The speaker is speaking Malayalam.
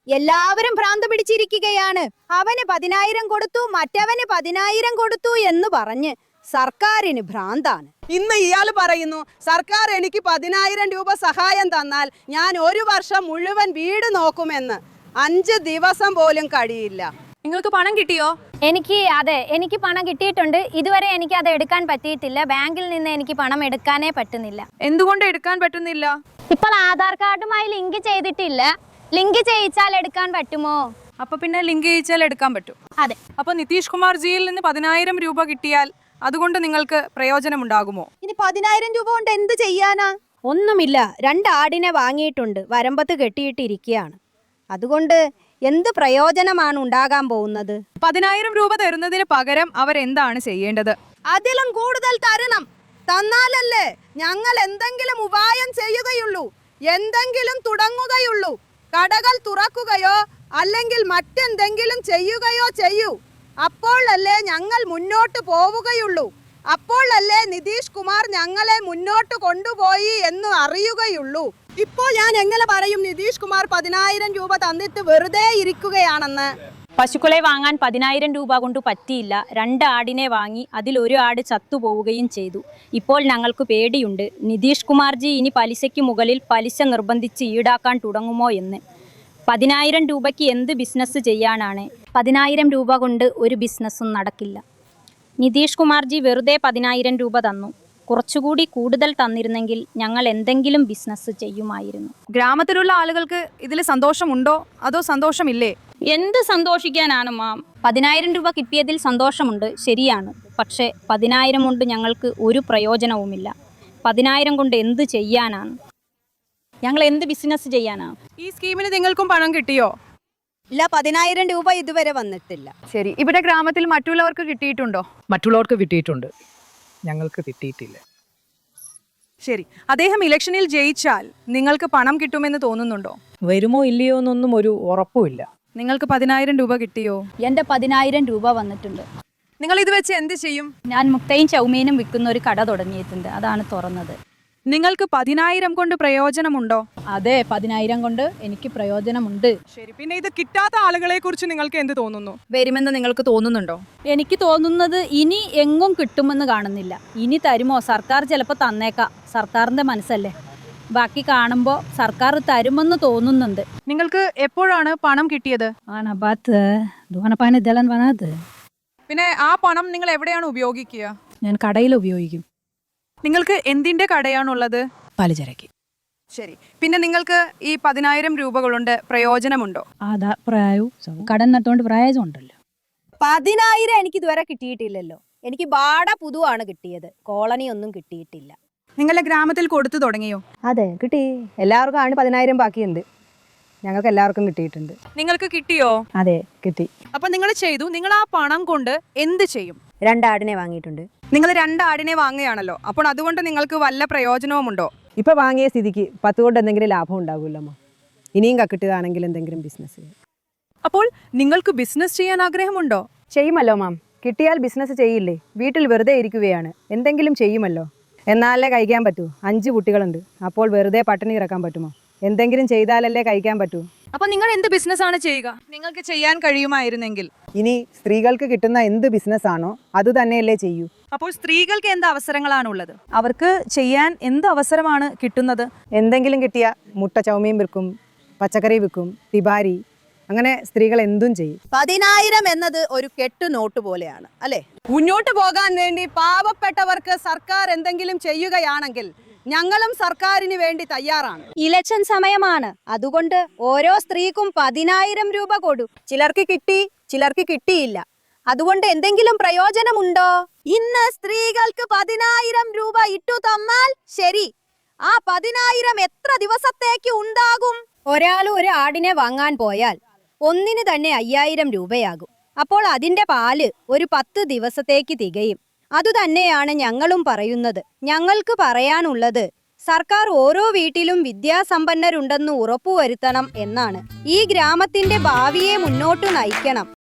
എല്ലാവരും ഭ്രാന്ത് പിടിച്ചിരിക്കുകയാണ്. അവന് 10,000 കൊടുത്തു, മറ്റവന് 10,000 കൊടുത്തു എന്ന് പറഞ്ഞ് സർക്കാരിന് ഭ്രാന്താണ്. ഇന്ന് ഇയാൾ പറയുന്നു സർക്കാർ എനിക്ക് 10,000 രൂപ സഹായം തന്നാൽ ഞാൻ ഒരു വർഷം മുഴുവൻ വീട് നോക്കുമെന്ന്. 5 ദിവസം പോലും കഴിയില്ല. നിങ്ങൾക്ക് പണം കിട്ടിയോ? എനിക്ക് പണം കിട്ടിയിട്ടുണ്ട്. ഇതുവരെ എനിക്ക് അത് എടുക്കാൻ പറ്റിയിട്ടില്ല. ബാങ്കിൽ നിന്ന് എനിക്ക് പണം എടുക്കാനേ പറ്റുന്നില്ല. എന്തുകൊണ്ട് എടുക്കാൻ പറ്റുന്നില്ല? ഇപ്പോൾ ആധാർ കാർഡുമായി ലിങ്ക് ചെയ്തിട്ടില്ല. ലിങ്ക് ചെയ്യിച്ചാൽ എടുക്കാൻ പറ്റുമോ? അപ്പൊ പിന്നെ ലിങ്ക് ചെയ്യിച്ചാൽ എടുക്കാൻ പറ്റും. അതെ. അപ്പൊ നിതീഷ് കുമാർ ജിയിൽ നിന്ന് 10,000 രൂപ കിട്ടിയാൽ അതുകൊണ്ട് നിങ്ങൾക്ക് പ്രയോജനമുണ്ടാകുമോ? ഇനി 10,000 രൂപ കൊണ്ട് എന്ത് ചെയ്യാനാ? ഒന്നുമില്ല. 2 ആടിനെ വാങ്ങിയിട്ടുണ്ട്, വരമ്പത്ത് കെട്ടിയിട്ടിരിക്കുകയാണ്. അതുകൊണ്ട് എന്ത് പ്രയോജനമാണ് ഉണ്ടാകാൻ പോകുന്നത്? 10,000 രൂപ തരുന്നതിന് പകരം അവരെന്താണ് ചെയ്യേണ്ടത്? അതിലും കൂടുതൽ തരണം. തന്നാലല്ലേ ഞങ്ങൾ എന്തെങ്കിലും ഉപായം ചെയ്യുകയുള്ളൂ, എന്തെങ്കിലും തുടങ്ങുകയുള്ളൂ. കടകൾ തുറക്കുകയോ അല്ലെങ്കിൽ മറ്റെന്തെങ്കിലും ചെയ്യുകയോ ചെയ്യൂ. അപ്പോഴല്ലേ ഞങ്ങൾ മുന്നോട്ട് പോവുകയുള്ളൂ. അപ്പോഴല്ലേ നിതീഷ് കുമാർ ഞങ്ങളെ മുന്നോട്ട് കൊണ്ടുപോയി എന്ന് അറിയുകയുള്ളൂ. ഇപ്പോൾ ഞാൻ എങ്ങനെ പറയും നിതീഷ് കുമാർ 10,000 രൂപ തന്നിട്ട് വെറുതെ ഇരിക്കുകയാണെന്ന്? പശുക്കളെ വാങ്ങാൻ 10,000 രൂപ കൊണ്ട് പറ്റിയില്ല. 2 ആടിനെ വാങ്ങി അതിൽ 1 ആട് ചത്തുപോവുകയും ചെയ്തു. ഇപ്പോൾ ഞങ്ങൾക്ക് പേടിയുണ്ട്. നിതീഷ് കുമാർജി ഇനി പലിശയ്ക്ക് മുകളിൽ പലിശ നിർബന്ധിച്ച് ഈടാക്കാൻ തുടങ്ങുമോ എന്ന്. 10,000 രൂപയ്ക്ക് എന്ത് ബിസിനസ് ചെയ്യാനാണ്? 10,000 രൂപ കൊണ്ട് ഒരു ബിസിനസ്സും നടക്കില്ല. നിതീഷ് കുമാർജി വെറുതെ 10,000 രൂപ തന്നു. കുറച്ചുകൂടി കൂടുതൽ തന്നിരുന്നെങ്കിൽ ഞങ്ങൾ എന്തെങ്കിലും ബിസിനസ് ചെയ്യുമായിരുന്നു. ഗ്രാമത്തിലുള്ള ആളുകൾക്ക് ഇതിൽ സന്തോഷമുണ്ടോ അതോ സന്തോഷമില്ലേ? എന്ത് സന്തോഷിക്കാനാണ് മാം? 10,000 രൂപ കിട്ടിയതിൽ സന്തോഷമുണ്ട്, ശരിയാണ്. പക്ഷേ 10,000 കൊണ്ട് ഞങ്ങൾക്ക് ഒരു പ്രയോജനവുമില്ല. 10,000 കൊണ്ട് എന്ത് ചെയ്യാനാണ്? ഞങ്ങൾ എന്ത് ബിസിനസ് ചെയ്യാനാണ്? ഈ സ്കീമിന് നിങ്ങൾക്കും പണം കിട്ടിയോ? ഇല്ല, 10,000 രൂപ ഇതുവരെ വന്നിട്ടില്ല. ശരി, ഇവിടെ ഗ്രാമത്തിൽ മറ്റുള്ളവർക്ക് കിട്ടിയിട്ടുണ്ടോ? മറ്റുള്ളവർക്ക് കിട്ടിയിട്ടുണ്ട്, ഞങ്ങൾക്ക് കിട്ടിയിട്ടില്ല. ശരി, അദ്ദേഹം ഇലക്ഷനിൽ ജയിച്ചാൽ നിങ്ങൾക്ക് പണം കിട്ടുമെന്ന് തോന്നുന്നുണ്ടോ? വരുമോ ഇല്ലയോ എന്നൊന്നും ഒരു ഉറപ്പുമില്ല. നിങ്ങൾക്ക് 10,000 രൂപ കിട്ടിയോ? എൻ്റെ 10,000 രൂപ വന്നിട്ടുണ്ട്. നിങ്ങൾ ഇത് വെച്ച് എന്ത് ചെയ്യും? ഞാൻ മുട്ടയും ചൗമീനും വിൽക്കുന്ന ഒരു കട തുടങ്ങിയിട്ടുണ്ട്, അതാണ് തുറന്നത്. നിങ്ങൾക്ക് 10,000 കൊണ്ട് പ്രയോജനമുണ്ടോ? അതെ, 10,000 കൊണ്ട് എനിക്ക് പ്രയോജനമുണ്ട്. ശരി, പിന്നെ ഇത് കിട്ടാത്ത ആളുകളെ കുറിച്ച് നിങ്ങൾക്ക് എന്ത് തോന്നുന്നു? വരുമെന്ന് നിങ്ങൾക്ക് തോന്നുന്നുണ്ടോ? എനിക്ക് തോന്നുന്നത് ഇനി എങ്ങും കിട്ടുമെന്ന് കാണുന്നില്ല. ഇനി തരുമോ? സർക്കാർ ചിലപ്പോൾ തന്നേക്കാം, സർക്കാരിൻ്റെ മനസ്സല്ലേ. ബാക്കി കാണുമ്പോൾ സർക്കാർ തരുമെന്ന് തോന്നുന്നുണ്ട്. നിങ്ങൾക്ക് എപ്പോഴാണ് പണം കിട്ടിയത്? പിന്നെ ആ പണം നിങ്ങൾ എവിടെയാണ് ഉപയോഗിക്കുക? ഞാൻ കടയിൽ ഉപയോഗിക്കും. നിങ്ങൾക്ക് എന്തിന്റെ കടയാണുള്ളത്? പലചരക്ക്. ശരി, പിന്നെ നിങ്ങൾക്ക് ഈ 10,000 രൂപ കൊണ്ട് പ്രയോജനമുണ്ടോ? കടം നട്ടുകൊണ്ട് പ്രയോജനം ഉണ്ടല്ലോ. 10,000 എനിക്ക് ഇതുവരെ കിട്ടിയിട്ടില്ലല്ലോ. എനിക്ക് ബാട പുതുവാണ് കിട്ടിയത്, കോളനി ഒന്നും കിട്ടിയിട്ടില്ല. നിങ്ങളുടെ ഗ്രാമത്തിൽ കൊടുത്തു തുടങ്ങിയോ? അതെ, കിട്ടി. എല്ലാവർക്കും ആണ് 10,000 ബാക്കിയുണ്ട്. ഞങ്ങൾക്ക് എല്ലാവർക്കും കിട്ടിയിട്ടുണ്ട്. നിങ്ങൾക്ക് കിട്ടിയോ? അതെ, കിട്ടി. അപ്പൊ നിങ്ങൾ ചെയ്തു. നിങ്ങൾ ആ പണം കൊണ്ട് എന്ത് ചെയ്യും? 2 ആടിനെ വാങ്ങിയിട്ടുണ്ട്. നിങ്ങൾ 2 ആടിനെ വാങ്ങുകയാണല്ലോ, അപ്പോൾ അതുകൊണ്ട് നിങ്ങൾക്ക് വല്ല പ്രയോജനവുമുണ്ടോ? ഇപ്പൊ വാങ്ങിയ സ്ഥിതിക്ക് 10 കൊണ്ട് എന്തെങ്കിലും ലാഭം ഉണ്ടാവില്ലമ്മോ. ഇനിയും കിട്ടുകയാണെങ്കിൽ എന്തെങ്കിലും ബിസിനസ് ചെയ്യും. അപ്പോൾ നിങ്ങൾക്ക് ബിസിനസ് ചെയ്യാൻ ആഗ്രഹമുണ്ടോ? ചെയ്യുമല്ലോ മാം. കിട്ടിയാൽ ബിസിനസ് ചെയ്യില്ലേ? വീട്ടിൽ വെറുതെ ഇരിക്കുകയാണ്, എന്തെങ്കിലും ചെയ്യുമല്ലോ. എന്നാലേ കഴിക്കാൻ പറ്റൂ. 5 കുട്ടികളുണ്ട്. അപ്പോൾ വെറുതെ പട്ടിണി ഇറക്കാൻ പറ്റുമോ? എന്തെങ്കിലും ചെയ്താലല്ലേ കഴിക്കാൻ പറ്റൂ. അപ്പൊ നിങ്ങൾ എന്ത് ബിസിനസ് ആണ് ചെയ്യുക? നിങ്ങൾക്ക് ചെയ്യാൻ കഴിയുമായിരുന്നെങ്കിൽ. ഇനി സ്ത്രീകൾക്ക് കിട്ടുന്ന എന്ത് ബിസിനസ് ആണോ അത് തന്നെയല്ലേ ചെയ്യൂ. അപ്പോൾ സ്ത്രീകൾക്ക് എന്ത് അവസരങ്ങളാണുള്ളത്? അവർക്ക് ചെയ്യാൻ എന്ത് അവസരമാണ് കിട്ടുന്നത്? എന്തെങ്കിലും കിട്ടിയ മുട്ട ചൗമീൻ വിൽക്കും, പച്ചക്കറി വിൽക്കും, തിബാരി, അങ്ങനെ സ്ത്രീകൾ എന്തും ചെയ്യും. 10,000 എന്നത് ഒരു കെട്ടു നോട്ട് പോലെയാണ് അല്ലേ? മുന്നോട്ട് പോകാൻ വേണ്ടി പാവപ്പെട്ടവർക്ക് സർക്കാർ എന്തെങ്കിലും ചെയ്യുകയാണെങ്കിൽ ഞങ്ങളും സർക്കാരിന് വേണ്ടി തയ്യാറാണ്. ഇലക്ഷൻ സമയമാണ്, അതുകൊണ്ട് ഓരോ സ്ത്രീക്കും 10,000 രൂപ കൊടു. ചിലർക്ക് കിട്ടി, ചിലർക്ക് കിട്ടിയില്ല. അതുകൊണ്ട് എന്തെങ്കിലും പ്രയോജനമുണ്ടോ? ഇന്ന് സ്ത്രീകൾക്ക് 10,000 രൂപ ഇട്ടു തന്നാൽ ശരി, ആ 10,000 എത്ര ദിവസത്തേക്ക് ഉണ്ടാകും? ഒരാൾ ഒരു ആടിനെ വാങ്ങാൻ പോയാൽ ഒന്നിന് തന്നെ 5,000 രൂപയാകും. അപ്പോൾ അതിന്റെ പാല് ഒരു 10 ദിവസത്തേക്ക് തികയും. അതുതന്നെയാണ് ഞങ്ങളും പറയുന്നത്. ഞങ്ങൾക്ക് പറയാനുള്ളത് സർക്കാർ ഓരോ വീട്ടിലും വിദ്യാസമ്പന്നരുണ്ടെന്ന് ഉറപ്പുവരുത്തണം എന്നാണ്. ഈ ഗ്രാമത്തിന്റെ ഭാവിയെ മുന്നോട്ട് നയിക്കണം.